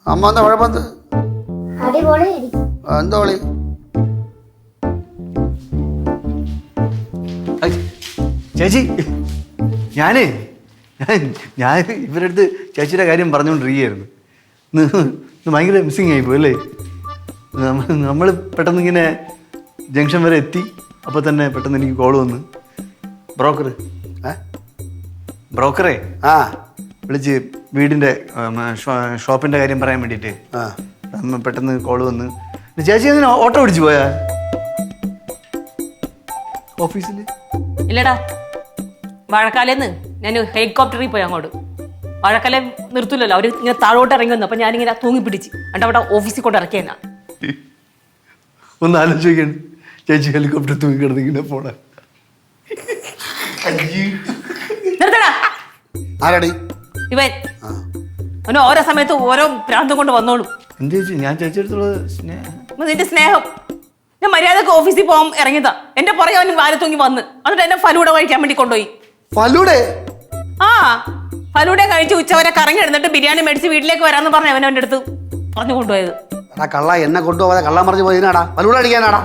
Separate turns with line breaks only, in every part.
അമ്മ എന്താ കുഴപ്പത്ത്? എന്താ വിളി?
ചേച്ചി, ഞാൻ ഇവരുടെ അടുത്ത് ചേച്ചിയുടെ കാര്യം പറഞ്ഞുകൊണ്ടിരിക്കുകയായിരുന്നു. ഇന്ന് ഭയങ്കര മിസ്സിങ് ആയിപ്പോയി അല്ലേ? നമ്മൾ പെട്ടെന്ന് ഇങ്ങനെ ജംഗ്ഷൻ വരെ എത്തി. അപ്പോൾ തന്നെ പെട്ടെന്ന് എനിക്ക് കോൾ വന്ന് ബ്രോക്കറെ വിളിച്ച് വീടിൻ്റെ ഷോപ്പിൻ്റെ കാര്യം പറയാൻ വേണ്ടിയിട്ട് പെട്ടെന്ന് കോൾ വന്ന്. ചേച്ചി അങ്ങനെ ഓട്ടോ പിടിച്ചു പോയാ ഓഫീസിൽ?
ഇല്ലടാ, വാഴക്കാലേന്ന് ഞാൻ ഹെലികോപ്റ്ററിൽ പോയി അങ്ങോട്ട്. വാഴക്കാലം നിർത്തൂലല്ലോ, അവർ ഇങ്ങനെ താഴോട്ട് ഇറങ്ങി വന്നു. അപ്പം ഞാനിങ്ങനെ തൂങ്ങി പിടിച്ച് എന്നിട്ട് അവിടെ ഓഫീസിൽ കൊണ്ട് ഇറക്കിയെന്നാ.
ഒന്ന് ആലോചിക്കണം, ചേച്ചി ഹെലികോപ്റ്റർ തൂങ്ങി കിടന്നിങ്ങനെ പോണ.
നിർത്തടാ.
ആരാടി
ഇവൻ അവന് ഓരോ സമയത്ത് ഓരോ പ്രാന്തം കൊണ്ട് വന്നോളൂ.
എന്ത് ചേച്ചി, ഞാൻ ചേച്ചിയെടുത്തുള്ള സ്നേഹം.
നിന്റെ സ്നേഹം. ഞാൻ മര്യാദക്ക് ഓഫീസിൽ പോകാൻ ഇറങ്ങിയതാ. എന്റെ പുറകെ അവന് വാല തൂങ്ങി വന്ന് എന്നിട്ട് എന്നെ ഫലൂഡ കഴിക്കാൻ വേണ്ടി കൊണ്ടുപോയി.
ഫലൂടെ?
ആ, ഫലൂഡ കഴിച്ച് ഉച്ചവരെ കറങ്ങി എടുത്തിട്ട് ബിരിയാണി മേടിച്ച് വീട്ടിലേക്ക് വരാമെന്ന് പറഞ്ഞ അവൻ അവൻ്റെ അടുത്ത് പറഞ്ഞു കൊണ്ടുപോയത്.
കള്ള എന്നെ കൊണ്ടുപോകാതെ കള്ളം പറഞ്ഞു പോയിനാടാ. ഫലൂട അടിക്കാനാടാ?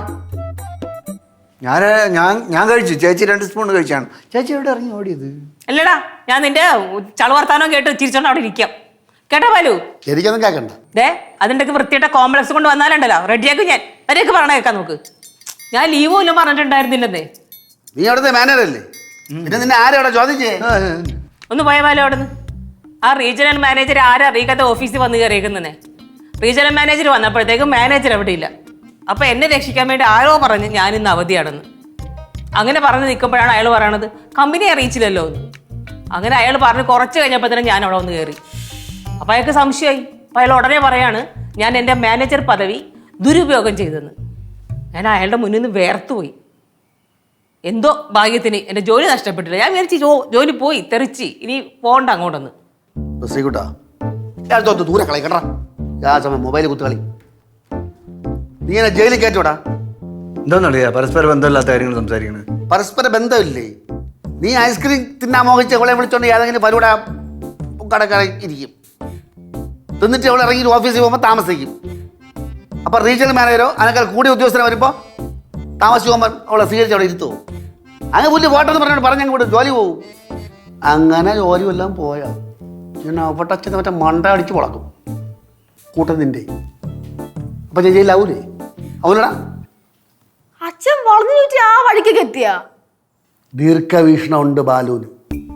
ഞാൻ കഴിച്ചു. ചേച്ചി 2 സ്പൂൺ കഴിച്ചാണ്. ചേച്ചി എവിടെ ഇറങ്ങി ഓടിയത്?
അല്ലടാ, ഞാൻ നിന്റെ ചളവർത്താനോ കേട്ട് ചിരിച്ചോണ്ട് അവിടെ ഇരിക്കാം. കേട്ടോ പാലു?
എനിക്കൊന്നും കേൾക്കണ്ട.
അതിൻ്റെ വൃത്തിയുടെ കോംപ്ലക്സ് കൊണ്ട് വന്നാലുണ്ടല്ലോ റെഡിയാക്കും ഞാൻ. അവരെയൊക്കെ പറഞ്ഞ കേൾക്കാൻ നോക്ക്. ഞാൻ ലീവും ഇല്ല പറഞ്ഞിട്ടുണ്ടായിരുന്നില്ലെന്നേ.
നീ അവിടുത്തെ മാനേജറല്ലേ? പിന്നെ നിന്നെ ആരവിടെ ചോദിച്ചേ?
ഒന്ന് പോയ പാലു അവിടെ നിന്ന്. ആ റീജിയണൽ മാനേജർ ആരും അറിയിക്കാത്ത ഓഫീസിൽ വന്ന് കയറിയേക്കുന്നേ. റീജിയണൽ മാനേജർ വന്നപ്പോഴത്തേക്കും മാനേജർ എവിടെ ഇല്ല. അപ്പൊ എന്നെ രക്ഷിക്കാൻ വേണ്ടി ആരോ പറഞ്ഞ് ഞാൻ ഇന്ന് അവധിയാണെന്ന്. അങ്ങനെ പറഞ്ഞ് നിൽക്കുമ്പോഴാണ് അയാൾ പറയണത് കമ്പനി അറിയിച്ചില്ലല്ലോ എന്ന്. അങ്ങനെ അയാൾ പറഞ്ഞ് കുറച്ച് കഴിഞ്ഞപ്പോൾ തന്നെ ഞാൻ അവിടെ വന്ന് കയറി. അപ്പൊ അയാൾക്ക് സംശയമായി. അപ്പൊ അയാൾ ഉടനെ പറയാണ് ഞാൻ എൻ്റെ മാനേജർ പദവി ദുരുപയോഗം ചെയ്തെന്ന്. ഞാൻ അയാളുടെ മുന്നിൽ നിന്ന് വേർത്തുപോയി. എന്തോ ഭാഗ്യത്തിന് എൻ്റെ ജോലി നഷ്ടപ്പെട്ടില്ല. ഞാൻ വിചാരിച്ചു ജോലി പോയി തെറിച്ച് ഇനി പോകണ്ട അങ്ങോട്ടൊന്ന്.
ദൂരെ കളി കേട്ടാ. മൊബൈൽ കുത്തുകളി. നീ എന്നെ ജയിലിൽ കയറ്റോടാ.
എന്താന്നറിയാ പരസ്പര ബന്ധമില്ലാത്ത കാര്യങ്ങൾ സംസാരിക്കണത്?
പരസ്പര ബന്ധമില്ലേ? നീ ഐസ്ക്രീം തിന്നാൻ മോഹിച്ച് അവളെ വിളിച്ചോണ്ട് ഏതെങ്കിലും പരിപാടി കടക്കട ഇരിക്കും. തിന്നിട്ട് അവൾ ഇറങ്ങി ഓഫീസിൽ പോകുമ്പോൾ താമസിക്കും. അപ്പൊ റീജിയണൽ മാനേജരോ അതിനേക്കാൾ കൂടിയ ഉദ്യോഗസ്ഥനെ വരുമ്പോൾ താമസിച്ച് പോകുമ്പോൾ അവളെ സ്വീകരിച്ച് അവിടെ ഇരുത്തുമോ? അങ്ങനെ പുല്ല് പോട്ടെന്ന് പറഞ്ഞങ്ങ് കൂടെ ജോലി പോകും. അങ്ങനെ ജോലി എല്ലാം പോയാ ഞാൻ അവട്ടച്ഛന് മറ്റേ മണ്ട അടിച്ച് പൊളക്കും കൂട്ടത്തിൻ്റെ. അപ്പൊ ഞാൻ ജയിലാവൂലേ? അവനടാ
അച്ഛൻ വളർന്നു ചോദിച്ചു ആ വഴിക്കൊക്കെ എത്തിയ
ദീർഘവീക്ഷണം ഉണ്ട് ബാലുവിന്.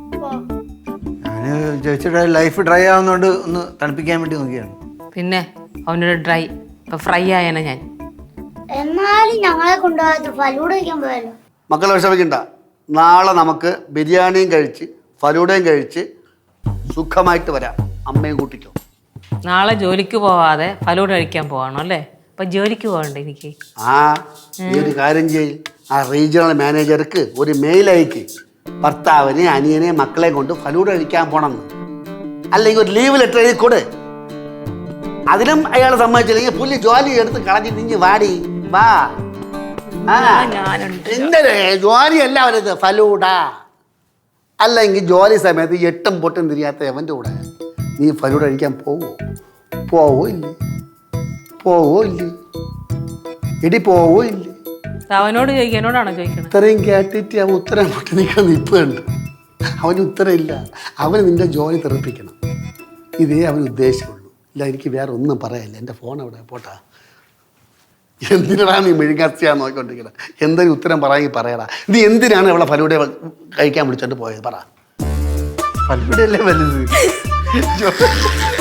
ഞാൻ ചേച്ചിയുടെ ലൈഫ് ഡ്രൈ ആവുന്നതുകൊണ്ട് ഒന്ന് തണുപ്പിക്കാൻ വേണ്ടി നോക്കിയാണ്.
പിന്നെ അവനൊരു ഡ്രൈ ഇപ്പൊ ഫ്രൈ ആയന ഞാൻ.
എന്നാലും ഞങ്ങളെ കൊണ്ടുപോകാത്ത ഫലൂട കഴിക്കാൻ പോയല്ലോ.
മക്കളെ വിഷമിക്കണ്ട. നാളെ നമുക്ക് ബിരിയാണിയും കഴിച്ച് ഫലൂടയും കഴിച്ച് സുഖമായിട്ട് വരാം. അമ്മയും കൂട്ടിക്കോ.
നാളെ ജോലിക്ക് പോവാതെ ഫലൂട കഴിക്കാൻ പോവാണോ അല്ലേ? അപ്പൊ ജോലിക്ക് പോകണ്ടേ എനിക്ക്?
ഈ ഒരു കാര്യം ചെയ്യും. ആ റീജിയണൽ മാനേജർക്ക് ഒരു മെയിൽ അയക്ക്, ഭർത്താവിനെ അനിയനെ മക്കളെ കൊണ്ട് ഫലൂട കഴിക്കാൻ പോണെന്ന്. അല്ലെങ്കിൽ ഒരു ലീവ് ലെറ്റർ എഴുതി കൊടു. അതിനും അയാൾ സമ്മതിച്ചില്ലെങ്കിൽ പുള്ളി ജോലി എടുത്ത് കളഞ്ഞ് നിഞ്ഞ് വാടി വാ. എന്തേ ജോലി എല്ലാവരും ഫലൂട. അല്ലെങ്കിൽ ജോലി സമയത്ത് 8ഉം പൊട്ടും തിരിയാത്ത എവൻ്റെ കൂടെ നീ ഫലൂട കഴിക്കാൻ പോവോ ഇല്ലേ? എടി പോവോ ഇല്ലേ?
അവനോട് ചോദിക്കുക, എന്നോടാണോ ചോദിക്കണത്?
ഇത്രയും കേട്ടിട്ട് അവൻ ഉത്തരം പൊട്ടി നിൽക്കാൻ നിൽപ്പുണ്ട്. അവന് ഉത്തരം ഇല്ല. അവന് നിന്റെ ജോലി തെറിപ്പിക്കണം. ഇതേ അവന് ഉദ്ദേശമുള്ളൂ. ഇല്ല, എനിക്ക് വേറെ ഒന്നും പറയാനില്ല. എൻ്റെ ഫോൺ അവിടെ പോട്ടാ. എന്തിനാണ് നീ മെഴുകാസ്തിയാന്ന് നോക്കിക്കൊണ്ടിരിക്കുന്നത്? എന്തെങ്കിലും ഉത്തരം പറയാമെങ്കിൽ പറയടാ. നീ എന്തിനാണ് അവളെ ഫലൂടെ കഴിക്കാൻ വിളിച്ചോണ്ട് പോയത്? പറ.
ഫലൂടയല്ലേ വലുത്.